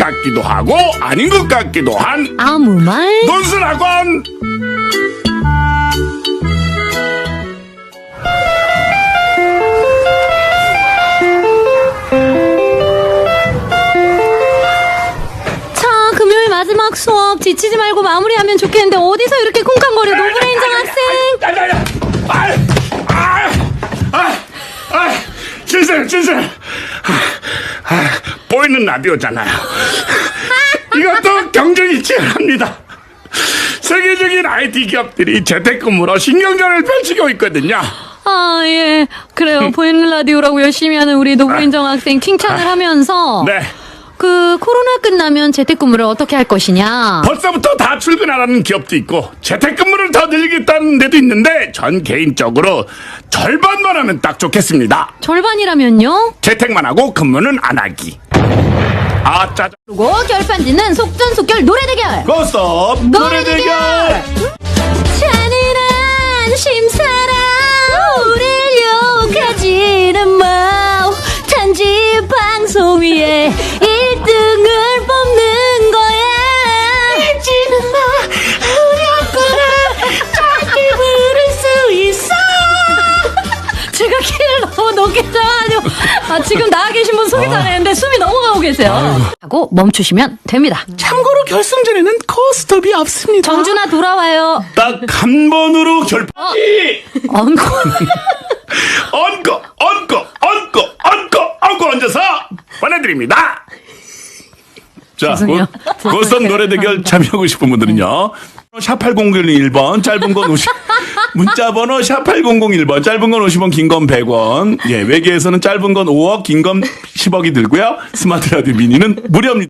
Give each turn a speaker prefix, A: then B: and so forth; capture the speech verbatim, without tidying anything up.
A: 같기도 하고 아닌 것 같기도 한
B: 아무 말.
A: 논술학원.
B: 자, 금요일 마지막 수업 지치지 말고 마무리하면 좋겠는데 어디서 이렇게 쿵쾅거려 노브레인정 학생.
A: 아, 아, 아, 아, 진실, 진실. 아, 아, 보이는 라디오잖아요. 이것도 경쟁이 치열합니다. 세계적인 아이티 기업들이 재택근무로 신경전을 펼치고 있거든요.
B: 아, 예. 그래요. 보이는 라디오라고 열심히 하는 우리 노브레인정 학생 칭찬을 하면서
A: 네.
B: 그 코로나 끝나면 재택근무를 어떻게 할 것이냐.
A: 벌써부터 다 출근하라는 기업도 있고 재택근무를 더 늘리겠다는 데도 있는데 전 개인적으로 절반만 하면 딱 좋겠습니다.
B: 절반이라면요?
A: 재택만 하고 근무는 안 하기. 아, 짜잔.
B: 그리고 결판 짓는 속전속결 노래 대결.
A: 고스톱
B: 노래 대결. 잔인한 심사라 우릴 욕하지는 마. 단지 방송 위에 일 등을 뽑는 거야. 잊지는 마. 우렸구나. 짧게 부를 수 있어. 제가 키를 너무 높게 잡아가지고 아, 지금 나와 계신 분 소개 잘했는데 숨이 넘어가고 계세요. 하고 멈추시면 됩니다.
C: 참고로 결승전에는 코스톱이 없습니다.
B: 정준아 돌아와요.
A: 딱 한 번으로 결판.
B: 엉고.
A: 얹고 얹고 얹고 얹고 얹고 얹어서 보내드립니다. 자,
B: 죄송해요.
A: 고- 고스톱 노래 대결 참여하고 싶은 분들은요 샵팔공공일 번 짧은 건 오십 문자 번호 샵팔공공일 번 짧은 건 오십 원 긴 건 백 원. 예, 외계에서는 짧은 건 오억 긴 건 십억이 들고요 스마트 라디오 미니는 무료입니다.